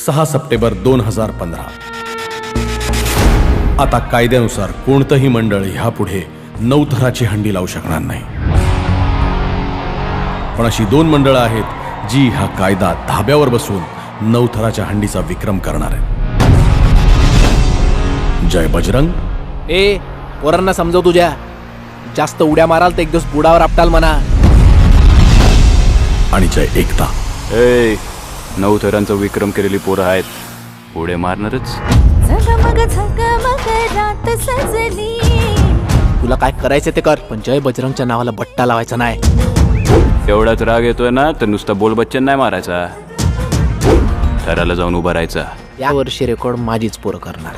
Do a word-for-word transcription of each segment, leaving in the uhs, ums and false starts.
सहा सप्टेंबर दोन हजार पंधरा. आता कायद्यानुसार कोणतंही मंडळ ह्यापुढे नऊ थराची हंडी लावू शकणार नाही. पण अशी दोन मंडळं आहेत जी हा कायदा धाब्यावर बसून नऊ थराच्या हंडीचा विक्रम करणार आहे. जय बजरंग. ए पोरांना समजव, तुझ्या जास्त उड्या माराल तर एक दिवस बुडावर आपटाल म्हणा. आणि जय एकता. ए नऊ थरांचा विक्रम केलेली पोरं आहेत, उड्या मारणारच. तुला काय करायचं ते कर, पण जय बजरंगच्या नावाला बट्टा लावायचा नाही. एवढाच राग येतोय ना तर नुसता बोल बच्चन नाही मारायचा, थराला जाऊन उभा राहायचा. या वर्षी रेकॉर्ड माझीच पोरं करणार.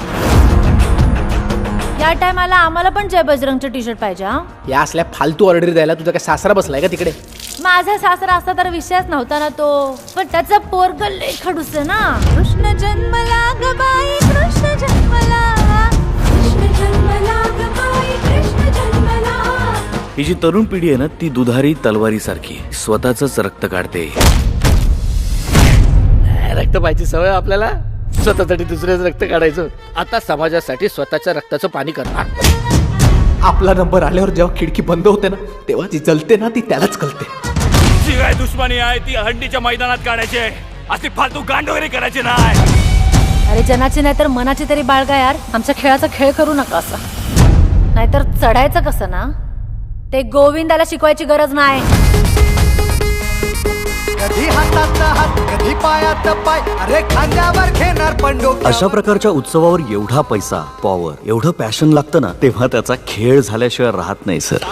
या टायमाला आम्हाला पण जय बजरंगचं टी शर्ट पाहिजे. हा, या असल्या फालतू ऑर्डर द्यायला तुझा काय सासरा बसलाय का तिकडे? माझा सासरा असता तर विषयच नव्हता ना तो, पण त्याचा पोरग लय खडूस आहे ना. कृष्ण जन्मला ग बाई, कृष्ण जन्मला, कृष्ण जन्मला ग बाई, कृष्ण जन्मला. ही जी तरुण पिढी आहे ना, ती दुधारी तलवारी सारखी स्वतःच रक्त काढते. रक्त पाहिजे सवय आपल्याला, स्वतःसाठी दुसऱ्याचं रक्त काढायचं. आता समाजासाठी स्वतःच्या रक्ताचं पाणी करणार. आपला नंबर आल्यावर जेव्हा खिडकी बंद होते ना, तेव्हा जी जलते ना ती त्यालाच कळते. जी काय दुश्मनी आहे ती हंडीच्या मैदानात काढायची आहे, असे फालतू गांड वगैरे करायचे नाही. अरे जनाची नाही तर मनाची तरी बाळगा यार. आमच्या खेळाचा खेळ करू नका असा, नाहीतर चढायचं कसं ना ते गोविंदाला शिकवायची गरज नाही. कधी हातात हात कधी पायात पाय, अरे खांद्यावर घेणार पंडो. अशा प्रकारच्या उत्सवावर एवढा पैसा, पॉवर, एवढं पॅशन लागतं ना, तेव्हा त्याचा खेळ झाल्याशिवाय राहत नाही सर.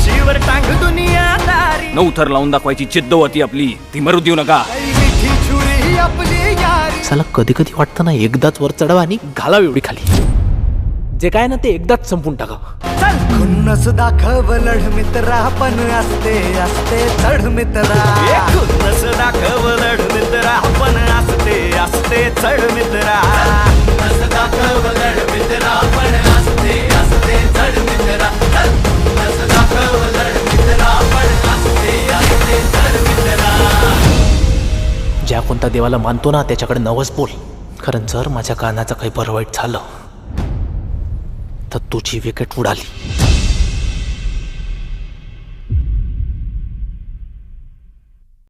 नऊ थर लावून दाखवायची जिद्द होती आपली, ती मरू देऊ नका. चला कधी कधी वाटतं ना एकदाच वर चढवा आणि घालाव एवढी खाली. जे काय ना ते एकदाच संपून टाकावं. खुन्नस दाखव लढ मित्रा, पण असते असते चढ मित्रा. खुन्नस दाखव लढ मित्रा, पण असते असते चढ मित्रा. खुन्नस दाखव लढ मित्रा, पण असते असते चढ मित्रा. खुन्नस दाखव लढ मित्रा, पण असते असते चढ मित्रा. ज्या कोणत्या देवाला मानतो ना त्याच्याकडे नवस बोल, कारण जर माझ्या कानाचं काही बरं वाईट झालं तर तुझी विकेट उडाली.